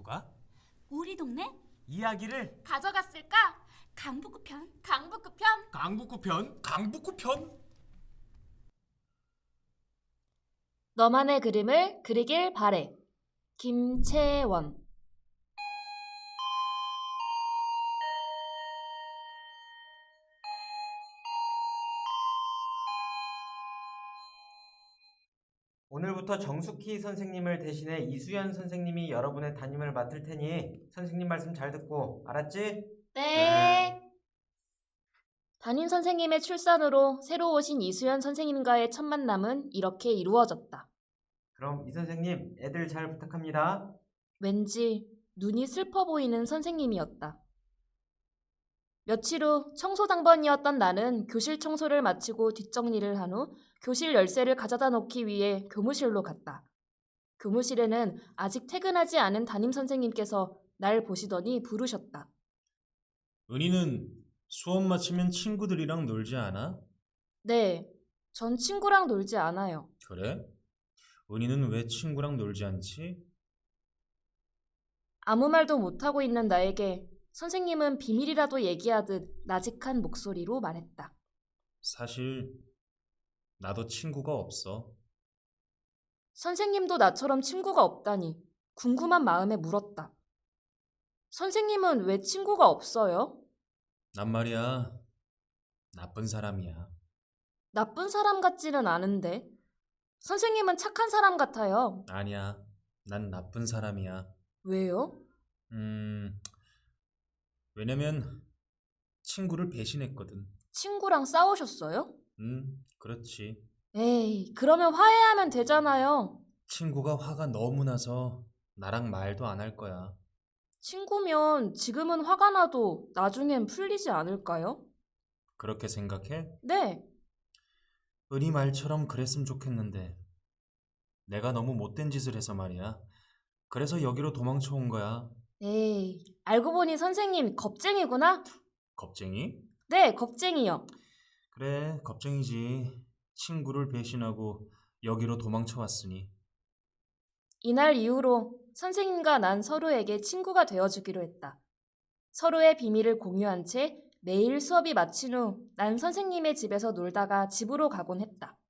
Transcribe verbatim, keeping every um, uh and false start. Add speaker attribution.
Speaker 1: 누가?
Speaker 2: 우리 동네?
Speaker 1: 이야기를
Speaker 2: 가져갔을까? 강북구 편, 강북구 편.
Speaker 1: 강북구 편, 강북구 편.
Speaker 3: 너만의 그림을 그리길 바래. 김채원.
Speaker 4: 오늘부터 정숙희 선생님을 대신해 이수연 선생님이 여러분의 담임을 맡을 테니 선생님 말씀 잘 듣고 알았지?
Speaker 3: 네. 담임 선생님의 출산으로 새로 오신 이수연 선생님과의 첫 만남은 이렇게 이루어졌다.
Speaker 4: 그럼 이 선생님 애들 잘 부탁합니다.
Speaker 3: 왠지 눈이 슬퍼 보이는 선생님이었다. 며칠 후 청소당번이었던 나는 교실 청소를 마치고 뒷정리를 한 후 교실 열쇠를 가져다 놓기 위해 교무실로 갔다. 교무실에는 아직 퇴근하지 않은 담임 선생님께서 날 보시더니 부르셨다.
Speaker 5: 은희는 수업 마치면 친구들이랑 놀지 않아?
Speaker 3: 네, 전 친구랑 놀지 않아요.
Speaker 5: 그래? 은희는 왜 친구랑 놀지 않지?
Speaker 3: 아무 말도 못하고 있는 나에게 선생님은 비밀이라도 얘기하듯 나직한 목소리로 말했다.
Speaker 5: 사실 나도 친구가 없어.
Speaker 3: 선생님도 나처럼 친구가 없다니 궁금한 마음에 물었다. 선생님은 왜 친구가 없어요?
Speaker 5: 난 말이야, 나쁜 사람이야.
Speaker 3: 나쁜 사람 같지는 않은데. 선생님은 착한 사람 같아요.
Speaker 5: 아니야, 난 나쁜 사람이야.
Speaker 3: 왜요?
Speaker 5: 음, 왜냐면 친구를 배신했거든.
Speaker 3: 친구랑 싸우셨어요?
Speaker 5: 음, 그렇지.
Speaker 3: 에이, 그러면 화해하면 되잖아요.
Speaker 5: 친구가 화가 너무 나서 나랑 말도 안 할 거야.
Speaker 3: 친구면 지금은 화가 나도 나중엔 풀리지 않을까요?
Speaker 5: 그렇게 생각해?
Speaker 3: 네.
Speaker 5: 은희 말처럼 그랬으면 좋겠는데 내가 너무 못된 짓을 해서 말이야. 그래서 여기로 도망쳐 온 거야.
Speaker 3: 에이, 알고 보니 선생님 겁쟁이구나?
Speaker 5: 겁쟁이?
Speaker 3: 네, 겁쟁이요.
Speaker 5: 그래, 겁쟁이지. 친구를 배신하고 여기로 도망쳐 왔으니.
Speaker 3: 이날 이후로 선생님과 난 서로에게 친구가 되어주기로 했다. 서로의 비밀을 공유한 채 매일 수업이 마친 후 난 선생님의 집에서 놀다가 집으로 가곤 했다.